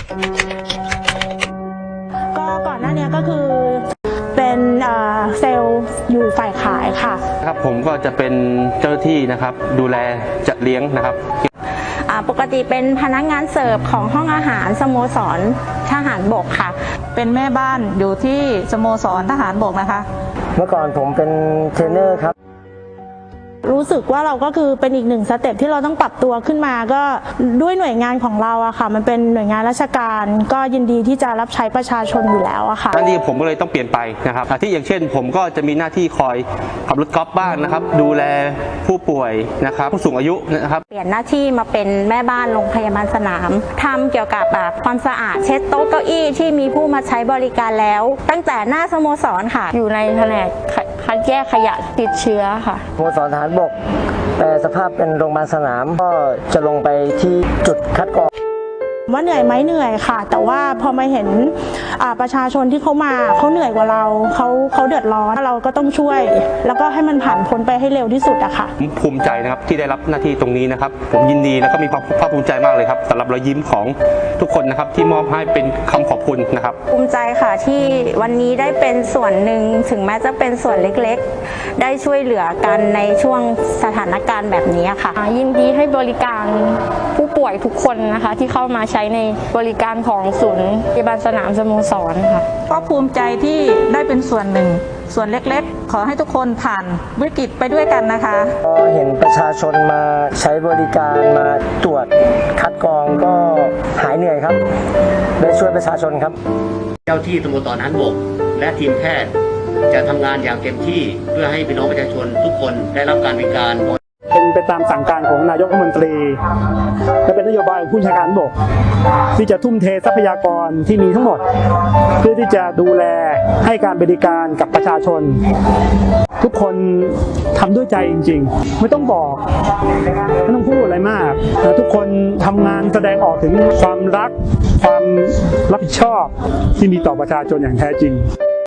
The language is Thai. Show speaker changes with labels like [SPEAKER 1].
[SPEAKER 1] ก็ก่อนหน้านี้ก็คือเป็นเซลล์อยู่ฝ่ายขายค่ะ
[SPEAKER 2] ครับผมก็จะเป็นเจ้าหน้าที่นะครับดูแลจัดเลี้ยงนะครับ
[SPEAKER 1] ปกติเป็นพนักงานเสิร์ฟของห้องอาหารสโมสรทหารบกค่ะ
[SPEAKER 3] เป็นแม่บ้านอยู่ที่สโมสรทหารบกนะคะ
[SPEAKER 4] เมื่อก่อนผมเป็นเทรนเนอร์ครับ
[SPEAKER 1] รู้สึกว่าเราก็คือเป็นอีกหนึ่งสเต็ปที่เราต้องปรับตัวขึ้นมาก็ด้วยหน่วยงานของเราอะค่ะมันเป็นหน่วยงานราชการก็ยินดีที่จะรับใช้ประชาชนอยู่แล้วอะค่ะ
[SPEAKER 2] หน้าที่ผมก็เลยต้องเปลี่ยนไปนะครับที่อย่างเช่นผมก็จะมีหน้าที่คอยขับรถกอล์ฟบ้างนะครับดูแลผู้ป่วยนะครับผู้สูงอายุนะครับ
[SPEAKER 1] เปลี่ยนหน้าที่มาเป็นแม่บ้านโรงพยาบาลสนามทำเกี่ยวกับความสะอาดเช็ดโต๊ะเก้าอี้ที่มีผู้มาใช้บริการแล้วตั้งแต่หน้าสโมสรค่ะอยู่ในแผนกคัดแยกขยะติดเชื้อค่ะ
[SPEAKER 4] สโมสรทหารบกแต่สภาพเป็นโรงพยาบาลสนามก็จะลงไปที่จุดคัดกรอง
[SPEAKER 1] ว่าเหนื่อยไหมเหนื่อยค่ะแต่ว่าพอมาเห็นประชาชนที่เขามาเขาเหนื่อยกว่าเราเขาเดือดร้อนเราก็ต้องช่วยแล้วก็ให้มันผ่านพ้นไปให้เร็วที่สุดอะค่ะ
[SPEAKER 2] ผมภูมิใจนะครับที่ได้รับหน้าที่ตรงนี้นะครับผมยินดีแล้วก็มีความภาคภูมิใจมากเลยครับสำหรับรอยยิ้มของทุกคนนะครับที่มอบให้เป็นคำขอบคุณนะครับ
[SPEAKER 1] ภูมิใจค่ะที่วันนี้ได้เป็นส่วนหนึ่งถึงแม้จะเป็นส่วนเล็กๆได้ช่วยเหลือกันในช่วงสถานการณ์แบบนี้ค่ะยินดีให้บริการผู้ป่วยทุกคนนะคะที่เข้ามาใช้ในบริการของศูนย์พยาบาลสนามสโมสรค่ะ
[SPEAKER 3] ก็ภูมิใจที่ได้เป็นส่วนหนึ่งส่วนเล็กๆขอให้ทุกคนผ่านวิกฤตไปด้วยกันนะคะ
[SPEAKER 4] ก็เห็นประชาชนมาใช้บริการมาตรวจคัดกรองก็หายเหนื่อยครับได้ช่วยประชาชนครับ
[SPEAKER 5] เจ้าที่สโมสรทหารบกและทีมแพทย์จะทำงานอย่างเต็มที่เพื่อให้พี่น้องประชาชนทุกคนได้รับการบริการ
[SPEAKER 6] เป็นไปตามสั่งการของนายกรัฐมนตรีและเป็นนโยบายของผู้บัญชาการบกที่จะทุ่มเททรัพยากรที่มีทั้งหมดเพื่อที่จะดูแลให้การบริการกับประชาชนทุกคนทำด้วยใจจริงๆไม่ต้องบอกไม่ต้องพูดอะไรมากทุกคนทำงานแสดงออกถึงความรักความรับผิดชอบที่มีต่อประชาชนอย่างแท้จริง